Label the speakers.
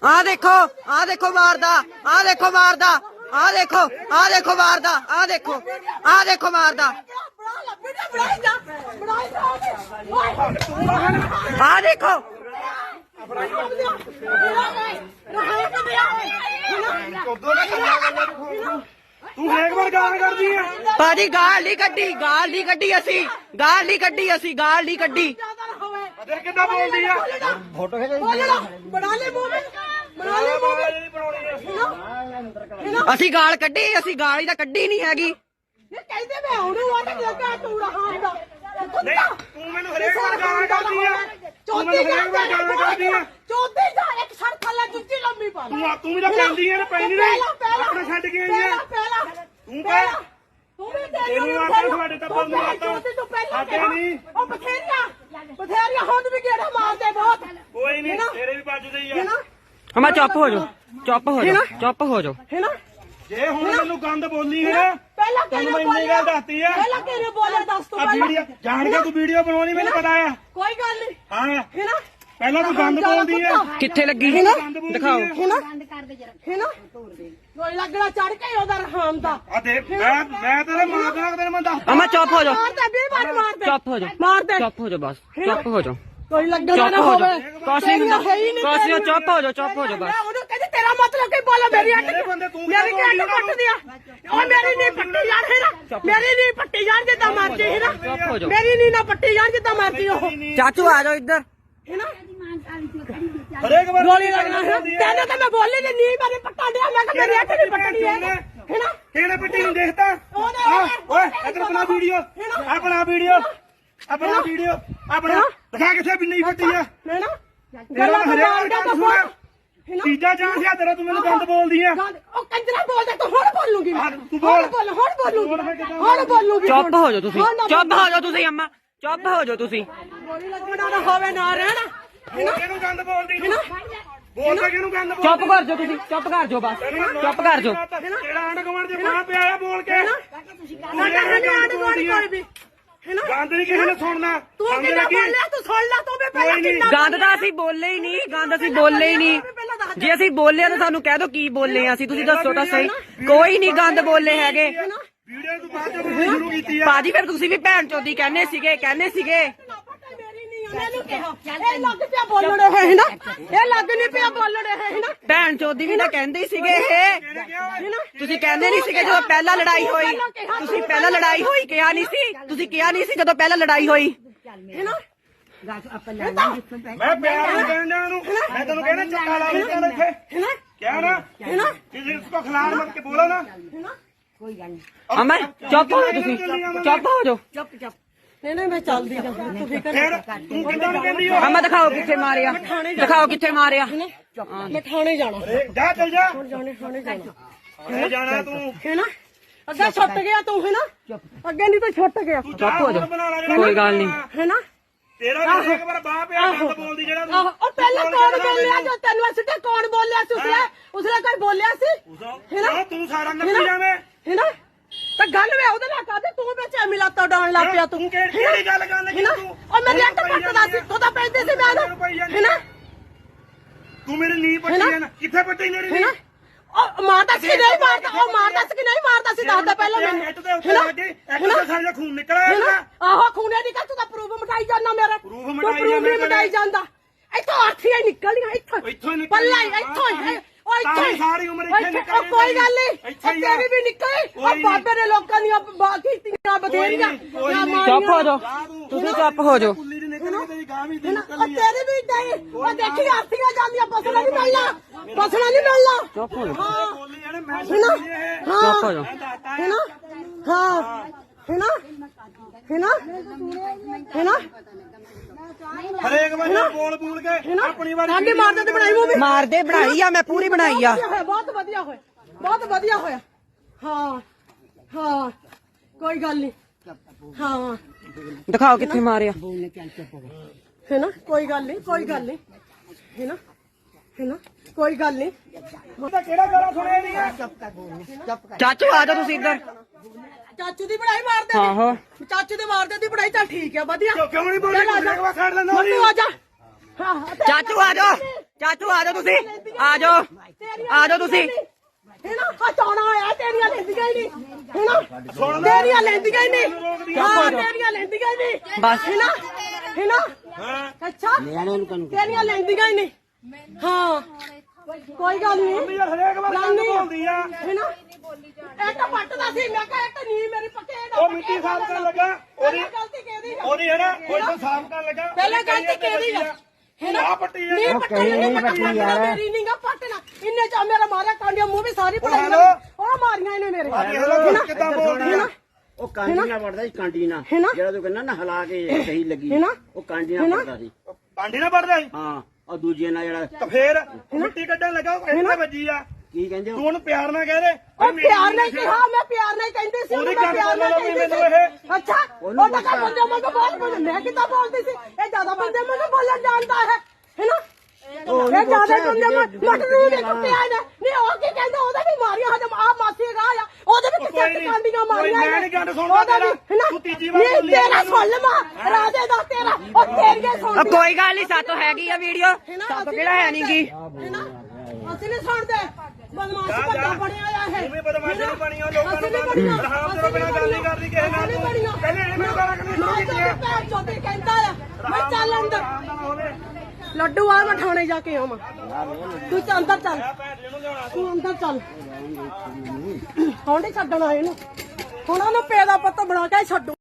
Speaker 1: ਆ ਦੇਖੋ ਮਾਰਦਾ, ਆ ਦੇਖੋ ਮਾਰਦਾ, ਆ ਦੇਖੋ ਮਾਰਦਾ, ਆ ਦੇਖੋ ਮਾਰਦਾ, ਆ ਦੇਖੋ
Speaker 2: ਤੂੰ ਹਰੇਕ ਵਾਰ ਗਾਲ ਕਰਦੀ ਆ
Speaker 1: ਭਾਜੀ। ਗਾਲ ਨਹੀਂ ਕੱਢੀ ਅਸੀਂ, ਗਾਲ ਨਹੀਂ ਕੱਢੀ।
Speaker 2: ਦੇਖ ਕਿੱਦਾਂ ਬੋਲਦੀ ਆ
Speaker 3: ਫੋਟੋ ਖਿੱਚ
Speaker 4: ਬਣਾ ਲੈ ਮੂਵੀ
Speaker 1: ਅਸੀਂ ਗਾਲ ਹੀ ਤਾਂ ਕੱਢੀ ਨਹੀਂ ਹੈਗੀ।
Speaker 4: ਕਹਿੰਦੇ ਮੈਂ ਉਹਨੂੰ ਆ ਕੇ ਲੱਗਾ ਤੂੰ ਰਹਾ ਹੁੰਦਾ
Speaker 2: ਨਹੀਂ ਤੂੰ ਮੈਨੂੰ ਹਰੇਕ ਵਾਰ ਗਾਲ ਕਰਦੀ ਆ
Speaker 4: ਚੌਥੀ
Speaker 2: ਆ
Speaker 4: ਚੌਥੀ ਦਾ ਇੱਕ ਸਰ ਥੱਲੇ ਜੁੱਤੀ ਲੰਮੀ ਪਾ
Speaker 2: ਤੂੰ ਵੀ ਤਾਂ ਪੈਂਦੀ ਆ ਨਾ ਪੈਂਦੀ ਨਹੀਂ ਆਪਣਾ ਛੱਡ ਕੇ ਆਈ ਆ ਤੂੰ ਕਹਿ
Speaker 4: ਤੂੰ ਵੀ
Speaker 2: ਤੈਨੂੰ ਆਖਿਆ ਤੁਹਾਡੇ ਟੱਬਰ ਨੂੰ ਆਖਿਆ ਨਹੀਂ
Speaker 4: ਉਹ ਬਥੇਰੀਆਂ ਹੁਣ ਵੀ ਗੇੜਾ ਮਾਰਦੇ ਬਹੁਤ
Speaker 2: ਕੋਈ ਨਹੀਂ ਤੇਰੇ ਵੀ ਵੱਜਦੇ ਹੀ ਆ
Speaker 1: ਹਮਾ ਚੁੱਪ ਹੋ ਜਾਓ
Speaker 4: ਹੈ ਨਾ
Speaker 2: ਜੇ ਹੁਣ ਮੈਨੂੰ ਗੰਦ ਬੋਲੀ ਹੈ ਨਾ
Speaker 4: ਪਹਿਲਾਂ
Speaker 2: ਤੈਨੂੰ ਮੈਂ ਇੰਨੀ ਗੱਲ ਦੱਸਤੀ ਆ
Speaker 4: ਪਹਿਲਾਂ ਕਿਹਨੇ ਬੋਲਿਆ ਦੱਸ ਤੂੰ
Speaker 2: ਆ ਵੀਡੀਓ ਜਾਣ ਕੇ ਤੂੰ ਵੀਡੀਓ ਬਣਾਉਣੀ ਮੈਨੂੰ ਪਤਾ ਆ
Speaker 4: ਕੋਈ ਗੱਲ ਨਹੀਂ
Speaker 2: ਹਾਂ
Speaker 4: ਹੈ ਨਾ
Speaker 2: ਪਹਿਲਾਂ ਤੂੰ ਗੰਦ ਬੋਲਦੀ ਆ
Speaker 1: ਕਿੱਥੇ ਲੱਗੀ ਦਿਖਾਓ।
Speaker 4: ਹੈ ਨਾ ਕੋਈ ਲੱਗਣਾ ਚੜ ਕੇ ਉਹਦਾ ਰਹਾਮ ਦਾ
Speaker 2: ਆ ਦੇਖ ਮੈਂ ਤੇਰੇ ਮਾਰਦਾ ਤੇਰੇ ਮੈਂ ਦੱਸ
Speaker 1: ਅਮਾ ਚੁੱਪ ਹੋ ਜਾਓ,
Speaker 4: ਮਾਰਦੇ 20 ਵਾਰ ਮਾਰਦੇ
Speaker 1: ਚੁੱਪ ਹੋ ਜਾਓ,
Speaker 4: ਮਾਰਦੇ
Speaker 1: ਚੁੱਪ ਹੋ ਜਾਓ ਬਸ, ਚੁੱਪ ਹੋ ਜਾਓ,
Speaker 4: ਕੋਈ ਲੱਗਣਾ
Speaker 1: ਚੁੱਪ
Speaker 4: ਨਾ
Speaker 1: ਹੋ
Speaker 4: ਹੋਵੇ
Speaker 1: ਜਾਓ। ਕੁਛ ਨਹੀਂ ਹੁੰਦਾ, ਕੁਛ ਨਹੀਂ, ਚੁੱਪ ਹੋ ਜਾਓ ਬਸ।
Speaker 4: ਉਹਨੂੰ ਕਹਿੰਦੀ ਤੇਰਾ ਮਤਲਬ ਕੀ ਬੋਲਾ ਮੇਰੀ ਅੱਟ ਮੇਰੀ ਕੀ ਅੱਟ ਪੱਟ ਦਿਆ ਉਹ ਮੇਰੀ ਨਹੀਂ ਪੱਟੀ ਯਾਰ ਹੈ ਨਾ ਮੇਰੀ ਨਹੀਂ ਪੱਟੀ ਯਾਰ ਜਿੱਦਾਂ ਮਰਜੀ ਹੈ ਨਾ
Speaker 1: ਚੁੱਪ ਹੋ ਜਾਓ।
Speaker 4: ਮੇਰੀ ਨਹੀਂ ਨਾ ਪੱਟੀ ਯਾਰ ਜਿੱਦਾਂ ਮਰਜੀ ਉਹ
Speaker 1: ਚਾਚੂ ਆ ਜਾਓ ਇੱਧਰ।
Speaker 4: ਹੈ ਨਾ
Speaker 2: ਹਰੇਕ ਵਾਰ
Speaker 4: ਗੋਲੀ ਲੱਗਣਾ ਹੈ ਤੈਨੂੰ ਤਾਂ ਮੈਂ ਬੋਲੀ ਨਹੀਂ ਮੇਰੇ ਪੱਟਾ ਡਿਆ ਮੈਂ ਕਿ ਮੇਰੀ ਅੱਟ ਨਹੀਂ ਪੱਟਣੀ ਹੈ ਨਾ
Speaker 2: ਕਿਹਨੇ ਪੱਟੀ ਨੂੰ ਦੇਖਦਾ ਓਏ ਇੱਧਰ ਬਣਾ ਵੀਡੀਓ ਆਪਣਾ ਵੀਡੀਓ ਆਪਣਾ ਦਿਖਾ ਕਿੱਥੇ ਵੀ ਨਹੀਂ ਪੱਟੀ ਆ
Speaker 4: ਹੈ ਨਾ
Speaker 2: ਤੇਰਾ ਹਰੇਕ ਵਾਰ ਗੱਲ ਸੁਣ ਤੀਜਾ ਚਾਂਸ ਆ ਤੇਰਾ ਤੂੰ ਮੈਨੂੰ ਗੰਦ ਬੋਲਦੀ ਆ
Speaker 4: ਉਹ ਕੰਜਰਾ ਬੋਲਦਾ ਤੂੰ ਹੁਣ ਬੋਲੂਗੀ
Speaker 2: ਤੂੰ ਬੋਲ
Speaker 4: ਹੁਣ ਬੋਲੂਗੀ
Speaker 1: ਚੁੱਪ ਹੋ ਜਾਓ ਤੁਸੀਂ ਅੰਮਾ, ਚੁੱਪ ਹੋ ਜਾਓ ਤੁਸੀਂ।
Speaker 4: ਗੋਲੀ ਲੱਗਣਾ ਨਾ ਹੋਵੇ ਨਾ ਰਹਿਣਾ
Speaker 2: ਹੋਰ ਕਿਹਨੂੰ ਗੰਦ ਬੋਲਦੀ ਤੂੰ ਬੋਲਦਾ ਕਿਹਨੂੰ ਗੰਦ ਬੋਲਦੀ
Speaker 1: ਚੁੱਪ ਕਰ ਜਾਓ ਤੁਸੀਂ, ਚੁੱਪ ਕਰ ਜਾਓ ਬਸ, ਚੁੱਪ ਕਰ ਜਾਓ।
Speaker 2: ਤੇਰਾ ਆਂਡ ਗਵਾਂਡ ਜੇ ਬਾਹ ਪਿਆ ਆ ਬੋਲ ਕੇ
Speaker 4: ਸਾਡਾ ਹਨੇ ਆਂਡ ਗੋਲੀ ਕੋਈ ਵੀ ਹੈ ਨਾ
Speaker 2: ਗੰਦ ਨਹੀਂ ਕਿਸੇ ਨੇ ਸੁਣਨਾ
Speaker 4: ਤੂੰ
Speaker 2: ਸਮਝ
Speaker 4: ਕਿੰਨਾ
Speaker 2: ਲੱਗੀ
Speaker 4: ਬੋਲਿਆ ਤੂੰ ਸੁਣ ਲੈ ਤੂੰ ਵੀ ਪਹਿਲਾਂ ਕਿੰਨਾ
Speaker 1: ਗੰਦ ਤਾਂ ਅਸੀਂ ਬੋਲੇ ਹੀ ਨਹੀਂ, ਜੇ ਅਸੀਂ ਬੋਲੇ ਤਾਂ ਸਾਨੂੰ ਕਹਿ ਦਿਓ ਕੀ ਬੋਲੇ ਆ ਅਸੀਂ, ਤੁਸੀਂ ਦੱਸੋ ਤਾਂ ਸਹੀ। ਕੋਈ ਨਹੀਂ ਗੰਦ ਬੋਲੇ ਹੈਗੇ
Speaker 2: ਵੀਡੀਓ ਤੂੰ ਬਾਅਦ ਚ ਸ਼ੁਰੂ ਕੀਤੀ ਆ
Speaker 1: ਭਾਜੀ, ਫਿਰ ਤੁਸੀਂ ਵੀ ਭੈਣ ਚੋਦੀ ਕਹਿੰਦੇ ਸੀਗੇ।
Speaker 4: ਇਹ ਲੱਗ ਪਿਆ ਬੋਲਣ ਇਹ ਹੈ ਨਾ ਇਹ ਲੱਗ ਨਹੀਂ ਪਿਆ ਬੋਲਣ ਇਹ ਹੈ ਨਾ
Speaker 1: ਭੈਣ ਚੋਦੀ ਵੀ ਤਾਂ ਕਹਿੰਦੇ ਹੀ ਸੀਗੇ ਇਹ। ਤੁਸੀਂ ਕਹਿੰਦੇ ਨਹੀਂ ਸੀਗੇ ਜਦੋਂ ਪਹਿਲਾਂ ਲੜਾਈ ਹੋਈ, ਤੁਸੀਂ ਪਹਿਲਾਂ ਲੜਾਈ ਹੋਈ ਕਿਹਾ ਨਹੀਂ ਸੀ, ਤੁਸੀਂ ਕਿਹਾ ਨਹੀਂ ਸੀ ਜਦੋਂ ਪਹਿਲਾਂ ਲੜਾਈ ਹੋਈ
Speaker 4: ਹੈ ਨਾ
Speaker 2: ਮੈਂ ਪਿਆਰ ਨਾਲ ਕਹਿੰਦਾ ਉਹਨੂੰ ਮੈਂ ਤੈਨੂੰ ਕਹਿਣਾ ਚੱਕਾ ਲਾ ਲਈ ਤੈਨੂੰ ਇੱਥੇ ਕਿਹਾ ਨਾ ਕਿਸੇ ਨੂੰ ਖਿਲਾੜ ਮਤ ਕੇ ਬੋਲੋ ਨਾ
Speaker 1: ਅਮਾ ਚੁੱਪ ਹੋ ਜਾਓ ਤੁਸੀਂ, ਚੁੱਪ ਹੋ ਜਾਓ।
Speaker 4: ਨਹੀਂ ਮੈਂ ਚੱਲਦੀ ਜਾਂ ਤੂੰ ਫਿਕਰ
Speaker 2: ਫਿਰ ਤੂੰ ਕਿੱਦਾਂ ਨੂੰ ਕਹਿੰਦੀ ਹੋ
Speaker 1: ਅਮਾ ਦਿਖਾਓ ਕਿੱਥੇ ਮਾਰਿਆ,
Speaker 4: ਮੈਂ ਥਾਣੇ ਜਾਣਾ
Speaker 2: ਜਾ ਚੱਲ ਜਾ
Speaker 4: ਥਾਣੇ ਜਾਣਾ
Speaker 2: ਮੈਂ ਜਾਣਾ ਤੂੰ
Speaker 4: ਹੈ ਨਾ ਅੱਗੇ ਛੁੱਟ ਗਿਆ ਤੂੰ ਹੈ ਨਾ ਅੱਗੇ ਨਹੀਂ ਤਾਂ ਛੁੱਟ ਗਿਆ
Speaker 1: ਚੁੱਪ ਹੋ ਜਾਓ, ਕੋਈ ਗੱਲ ਨਹੀਂ।
Speaker 4: ਹੈ ਨਾ
Speaker 2: ਤੇਰਾ ਵੀ ਇੱਕ ਵਾਰ ਬਾਹ ਪਿਆ ਗੰਦ ਬੋਲਦੀ ਜਿਹੜਾ ਤੂੰ
Speaker 4: ਉਹ ਪਹਿਲਾਂ ਕੌਣ ਬੋਲਿਆ ਜੋ ਤੈਨੂੰ ਸਿੱਧੇ ਕੌਣ ਬੋਲਿਆ ਸੀ ਉਸਨੇ ਕੋਈ ਬੋਲਿਆ ਸੀ
Speaker 2: ਨਾ ਤੂੰ ਸਾਰਾ ਨੱਪੀ ਜਾਵੇਂ
Speaker 4: ਹੈ ਨਾ ਤਾਂ ਗੱਲ ਵੇ ਉਹਦੇ ਨਾਲ ਕਰਦੇ ਤੂੰ ਵਿੱਚ ਮਿਲਾਤਾ ਡਾਉਣ ਲੱਗ ਪਿਆ ਤੂੰ
Speaker 2: ਕਿਹੜੀ ਗੱਲ ਕਰਨੀ ਤੂੰ
Speaker 4: ਉਹ ਮੇਰੇ ਅੱਟ ਪੱਟਦਾ ਸੀ ਤੂੰ ਤਾਂ ਪੈਂਦੇ ਸੀ ਮੈਂ ਹੈ ਨਾ
Speaker 2: ਤੂੰ ਮੇਰੇ ਨੀ ਪੱਟੀ ਨਾ ਕਿੱਥੇ ਪੱਟੀ ਮੇਰੀ ਨੀ
Speaker 4: ਉਹ ਮਾਰਦਾ ਸੀ ਨਹੀਂ ਮਾਰਦਾ ਉਹ ਮਾਰਦਾ ਸੀ ਕਿ ਨਹੀਂ ਮਾਰਦਾ ਸੀ ਦੱਸਦਾ ਪਹਿਲਾਂ ਮੈਨੂੰ
Speaker 2: ਇੱਟ ਦੇ ਉੱਤੇ ਲੱਗੇ ਇੱਕ ਤਾਂ ਸਾਰਾ ਖੂਨ ਨਿਕਲਿਆ
Speaker 4: ਆਹੋ ਖੂਨੇ ਨਿਕਲ ਤੂੰ ਤਾਂ ਪ੍ਰੂਫ ਮਟਾਈ ਜਾਂਦਾ ਮੇਰਾ
Speaker 2: ਪ੍ਰੂਫ
Speaker 4: ਮਟਾਈ ਜਾਂਦਾ ਇੱਥੋਂ ਆਰਥੀਆਂ ਨਿਕਲੀਆਂ
Speaker 2: ਇੱਥੋਂ ਹੀ
Speaker 4: ਪੱਲਾ ਇੱਥੋਂ ਉਹ ਇੱਥੇ
Speaker 2: ਸਾਰੀ ਉਮਰ ਇੱਥੇ ਨਿਕਲ
Speaker 4: ਕੋਈ ਗੱਲ ਨਹੀਂ ਤੇਰੀ ਵੀ ਨਿਕਲੀ ਉਹ ਬਾਬੇ ਨੇ ਲੋਕਾਂ ਦੀਆਂ ਕੀਤੀਆਂ ਬਥੇਰੀਆਂ
Speaker 1: ਚੁੱਪ ਹੋ ਜਾਓ ਤੁਸੀਂ, ਚੁੱਪ ਹੋ ਜਾਓ।
Speaker 4: ਤੇਰੀ ਵੀ ਨਹੀਂ ਉਹ ਦੇਖੀ ਆਰਥੀਆਂ ਜਾਂਦੀਆਂ ਬਸਣਾ ਨਹੀਂ ਮਿਲਣਾ
Speaker 1: ਚੁੱਪ ਹੋ ਜਾਓ,
Speaker 4: ਚੁੱਪ
Speaker 1: ਹੋ ਜਾਓ।
Speaker 4: ਹੈ ਨਾ ਹਾਂ ਹੈ ਨਾ
Speaker 2: ਹਰੇਕ ਵਾਰ ਬੋਲ ਕੇ ਆਪਣੀ ਵਾਰ
Speaker 4: ਸਾਡੀ ਮਾਰਦੇ ਤੇ ਬਣਾਈ ਮੂਵੀ
Speaker 1: ਮਾਰਦੇ ਬਣਾਈ ਆ, ਮੈਂ ਪੂਰੀ ਬਣਾਈ ਆ।
Speaker 4: ਬਹੁਤ ਵਧੀਆ ਹੋਇਆ ਹਾਂ ਕੋਈ ਗੱਲ ਨਹੀਂ ਹਾਂ
Speaker 1: ਦਿਖਾਓ ਕਿੱਥੇ ਮਾਰਿਆ
Speaker 4: ਹੈ ਨਾ ਕੋਈ ਗੱਲ ਨਹੀਂ ਹੈ ਨਾ ਕੋਈ ਗੱਲ ਨਹੀਂ
Speaker 2: ਕਿਹੜਾ ਗਾਲਾਂ ਸੁਣਿਆ ਨਹੀਂ
Speaker 1: ਚਾਚੂ ਆ ਜਾਓ ਤੁਸੀਂ ਇੱਧਰ।
Speaker 4: ਚਾਚੂ ਦੀ ਬੜਾਈ ਮਾਰਦੇ
Speaker 1: ਆਹੋ
Speaker 4: ਚਾਚੂ ਦੇ ਮਾਰਦੇ ਦੀ ਬੜਾਈ ਚੱਲ ਠੀਕ ਆ ਵਧੀਆ
Speaker 2: ਕਿਉਂ ਨਹੀਂ ਬੋਲੀ
Speaker 4: ਚੱਲ ਆ ਜਾ।
Speaker 2: ਖੜ ਲੈਂਦਾ
Speaker 4: ਮੰਨੂ ਆ ਜਾ ਹਾਂ
Speaker 1: ਚਾਚੂ ਆ ਜਾਓ। ਚਾਚੂ ਆ ਜਾਓ ਤੁਸੀਂ ਆ ਜਾਓ ਤੁਸੀਂ
Speaker 4: ਹੈਨਾ ਹਟਾਉਣਾ ਹੋਇਆ ਤੇਰੀਆਂ ਲੈਂਦੀਆਂ ਹੀ ਨਹੀਂ ਹੈਨਾ ਤੇਰੀਆਂ ਲੈਂਦੀਆਂ ਹੀ ਨਹੀਂ ਹਾਂ ਤੇਰੀਆਂ ਲੈਂਦੀਆਂ ਹੀ ਨਹੀਂ
Speaker 1: ਬਸ
Speaker 4: ਹੈਨਾ ਅੱਛਾ ਤੇਰੀਆਂ ਲੈਂਦੀਆਂ ਹੀ ਨਹੀਂ ਹਾਂ ਕੋਈ ਗੱਲ ਨਹੀਂ
Speaker 2: ਯਾਰ ਹਰੇਕ ਵਾਰ ਗੱਲ ਬੋਲਦੀ ਆ
Speaker 4: ਹੈਨਾ ਇੱਕ ਪੱਟਦਾ ਸੀ ਮੈਂ ਕਿਹਾ ਇੱਕ ਨੀ ਮੇਰੀ ਪੱਕੇ
Speaker 2: ਉਹ ਮਿੱਟੀ ਸਾਫ਼ ਕਰਨ ਲੱਗਾ
Speaker 4: ਗਲਤੀ ਕਿਹਦੀ ਆ
Speaker 2: ਉਹਦੀ ਹੈ ਨਾ ਉਹ ਇੱਥੋਂ ਸਾਫ਼ ਕਰਨ ਲੱਗਾ
Speaker 4: ਪਹਿਲੇ ਗਲਤੀ ਕਿਹਦੀ ਆ
Speaker 2: ਆ ਪੱਟੀ ਆ
Speaker 4: ਨਹੀਂ ਪੱਟੀ ਮੇਰੀ ਨੀਗਾ ਪੱਟਣਾ ਇੰਨੇ ਚ ਮੇਰਾ ਮਾਰਿਆ ਕਾਂਡੀਆਂ ਮੂੰਹ ਵੀ ਸਾਰੀ ਪੜਾਈ
Speaker 2: ਹੈਲੋ।
Speaker 4: ਉਹ ਮਾਰੀਆਂ ਇਹਨੇ ਮੇਰੇ
Speaker 2: ਹੈਲੋ ਕਿੱਦਾਂ ਬੋਲਦੀ ਆ
Speaker 3: ਉਹ ਕਾਂਡੀ ਨਾਲ ਵੜਦਾ ਸੀ ਕਾਂਡੀ ਨਾਲ
Speaker 4: ਹੈਨਾ?
Speaker 3: ਜਿਹੜਾ ਤੂੰ ਕਹਿੰਦਾ ਨਾ ਹਿਲਾ ਕੇ ਸਹੀ ਲੱਗੀ
Speaker 4: ਹੈਨਾ?
Speaker 3: ਉਹ ਕਾਂਡੀ ਨਾਲ ਵੜਦਾ ਸੀ
Speaker 2: ਪਾਂਡੀ ਨਾ ਪੜਦਾ ਸੀ
Speaker 3: ਹਾਂ ਉਹ ਦੂਜੇ ਨਾਲ ਜਿਹੜਾ
Speaker 2: ਤਾਂ ਫੇਰ ਮਿੱਟੀ ਕੱਢਣ ਲੱਗਾ ਉਹ ਇੱਥੇ ਵੱਜੀ ਆ
Speaker 3: ਕੀ ਕਹਿੰਦੇ
Speaker 2: ਤੂੰ ਉਹਨੂੰ ਪਿਆਰ ਨਾਲ ਕਹਿ ਦੇ
Speaker 4: ਉਹ ਪਿਆਰ ਨਾਲ ਕਿਹਾ ਮੈਂ ਪਿਆਰ ਨਾਲ ਕਹਿੰਦੀ ਸੀ
Speaker 2: ਉਹਦੀ
Speaker 4: ਮੈਂ
Speaker 2: ਗੱਲ
Speaker 4: ਪਿਆਰ ਨਾਲ
Speaker 2: ਬੋਲੋ ਵੀ
Speaker 4: ਕਹਿੰਦੀ
Speaker 2: ਮੈਨੂੰ
Speaker 4: ਸੀ ਅੱਛਾ ਉਹ ਤਾਂ ਕਰ ਬੰਦੇ ਮੈਂ ਬਹੁਤ ਬੋਲ ਮੈਂ ਕਿੱਦਾਂ ਬੋਲਦੀ ਸੀ ਇਹ ਜ਼ਿਆਦਾ ਬੰਦੇ ਮੈਨੂੰ ਬੋਲਣ ਜਾਣਦਾ ਹੈ ਹੈਨਾ ਇਹ ਜ਼ਿਆਦਾ ਬੰਦੇ ਮਟ ਨੂੰ ਨਹੀਂ ਕੁੱਟਿਆ ਨੇ ਨਹੀਂ ਉਹ ਕੀ ਕਹਿੰਦਾ ਉਹਦਾ ਵੀ ਮਾਰੀਆਂ ਹਜਮ ਆ ਮਾਸੀ ਰਾਹ ਆ ਉਹਦੇ ਵੀ ਕਿੱਥੇ ਕਾਂਡੀਆਂ ਮਾਰੀਆਂ
Speaker 2: ਮੈਂ ਨਹੀਂ ਗੱਲ ਸੁਣਦਾ ਤੇਰਾ ਤੂੰ ਤੀਜੀ ਵਾਰ ਬੋਲੀ
Speaker 4: ਤੇਰਾ ਸੁਣ ਲਵਾਂ ਰਾਜੇ ਦਾ ਤੇਰਾ ਉਹ ਤੇਰੀਆਂ ਸੁਣ
Speaker 1: ਕੋਈ ਗੱਲ ਨਹੀਂ ਸਾਤੋਂ ਹੈਗੀ ਆ ਵੀਡੀਓ ਸਾਤੋਂ ਕਿਹੜਾ ਹੈ ਨਹੀਂਗੀ
Speaker 4: ਹੈਨਾ ਅਸੀਂ ਨਹੀਂ ਸੁਣਦੇ ਬਦਮਾਸ਼ ਵੱਡਾ ਬਣਿਆ ਆ ਹੈ
Speaker 2: ਤੂੰ ਵੀ ਬਦਮਾਸ਼ੀ ਨਹੀਂ ਬਣੀ ਉਹ ਲੋਕਾਂ ਨੂੰ ਰਹਾਮ ਤੋਂ ਬਿਨਾਂ ਗੱਲ ਨਹੀਂ ਕਰਦੀ ਕਿਸੇ ਨਾਲ ਤੂੰ ਪਹਿਲੇ ਇਹਨੇ ਮੈਨੂੰ ਗਾਲਾਂ ਕੱਢਣੀ ਸ਼ੁਰੂ ਕੀਤੀਆਂ
Speaker 4: ਪੈਰ ਚੋਦੇ ਕਹਿੰਦਾ ਆ ਮੈਂ ਚੱਲ ਅੰਦਰ
Speaker 2: ਆਰਾਮ ਨਾਲ ਹੋਵੇ
Speaker 4: ਲੱਡੂ ਆ ਮੈਂ ਥਾਣੇ ਜਾ ਕੇ ਆਵਾਂ ਤੂੰ ਚੱਲ ਅੰਦਰ ਚੱਲ
Speaker 2: ਭੈਣ ਜੀ ਨੂੰ ਲਿਆਉਣਾ
Speaker 4: ਤੂੰ ਅੰਦਰ ਚੱਲ ਹੁਣ ਨਹੀਂ ਛੱਡਣਾ ਇਹਨੂੰ ਹੁਣ ਉਹਨੂੰ ਪੇ ਦਾ ਪੁੱਤ ਬਣਾ ਕੇ ਛੱਡੂ